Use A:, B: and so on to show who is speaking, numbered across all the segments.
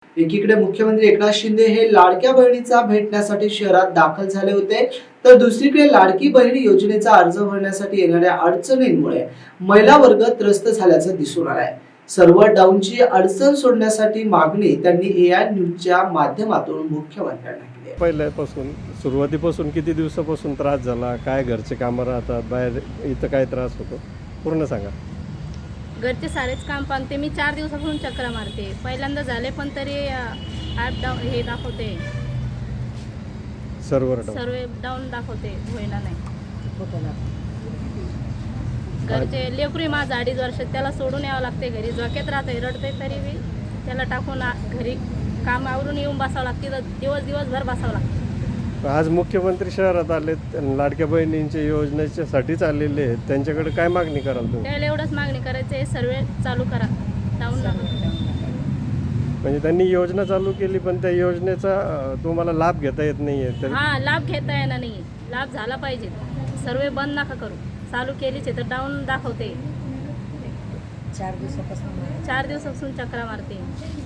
A: एकीकडे मुख्यमंत्री एकनाथ शिंदे हे लाडक्या बहिणीचा भेटण्यासाठी शहरात दाखल झाले होते, तर दुसरीकडे लाडकी बहीण योजनेचा अर्ज भरण्यासाठी येणाऱ्या अडचणींमुळे महिला वर्ग त्रस्त झाल्याचं दिसून आलंय। सर्व्हर डाऊनची अडचण सोडण्यासाठी मागणी त्यांनी एआय न्यूजच्या माध्यमातून मुख्यमंत्र्यांना केली आहे।
B: पहिल्यापासून सुरुवातीपासून किती दिवसापासून त्रास झाला, काय घरचे कामं राहतात, बाहेर इथं काय त्रास होतो पूर्ण सांगा।
C: घरचे सारेच काम पाहते मी 4 दिवसापासून चक्र मारते। पहिल्यांदा झाले पण तरी ॲप डाऊन हे दाखवते,
B: सर्व्हर
C: डाऊन दाखवते, होईना नाही। घरचे लेकरू माझं 2.5 वर्ष, त्याला सोडून यावं लागते घरी, झोक्यात राहते, रडते तरी बी त्याला टाकून घरी काम आवरून येऊन बसावं लागते, तर दिवसभर बसावं लागतं।
B: आज मुख्यमंत्री शहरात आले, लाडक्या बहिणींच्या योजनेच्यासाठीच आलेले आहेत, त्यांच्याकडे काय मागणी कराल तुम्ही?
C: त्याला एवढंच मागणी करायचं आहे, सर्वे चालू करा, डाऊन
B: म्हणजे त्यांनी योजना चालू केली पण त्या योजनेचा तुम्हाला लाभ घेता येत नाहीये तर?
C: हा, लाभ घेता येणार नाही, लाभ झाला पाहिजे। सर्वे बंद नका करू, चालू केलीच आहे तर डाऊन दाखवते। 4 दिवसापासून चक्रा मारते।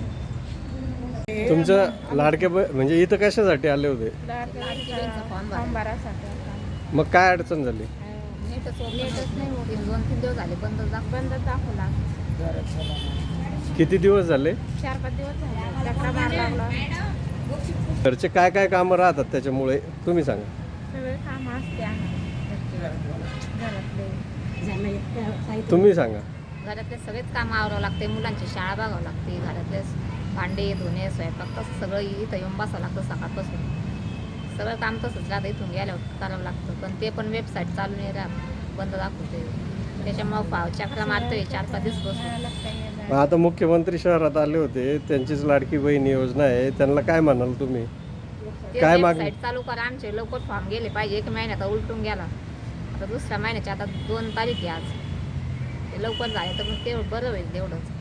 B: तुमचं लाडक्या म्हणजे इथं कशासाठी आले होते?
C: फॉर्म भरायसाठी।
B: मग काय अडचण झाली?
C: नेटच नाही होत, 2-3 दिवस झाले बंद दाखवला।
B: किती दिवस झाले?
C: 4-5 दिवस झाले चक्रा मारायला लागला।
B: घरचे काय काय कामं राहतात त्याच्यामुळे तुम्ही सांगा।
C: सगळे काम असते घरातले,
B: तुम्ही सांगा।
D: घरातले सगळेच काम आवरावं लागते, मुलांची शाळा बघावं लागते, घरातले भांडे धुणे स्वयंपाक तसं सगळं इथं येऊन बसावं लागतं। सकाळपासून सगळं काम तसंच राहतं, इथून गेल्यावर करावं लागतं, पण ते पण वेबसाईट चालू नाही राहत, बंद दाखवते, त्याच्यामुळं चक्रा मारतोय 4-5 दिवस।
B: आता मुख्यमंत्री शहरात आले होते, त्यांचीच लाडकी बहीण योजना आहे, त्यांना काय म्हणाल तुम्ही? काय मागणी?
D: वेबसाईट चालू करा, आमचे लवकर फॉर्म गेले पाहिजे। 1 महिन्यात उलटून गेला, आता दुसऱ्या महिन्याच्या आता 2 तारीख आहे आज, ते लवकर झाले तर मग ते बरं होईल तेवढंच।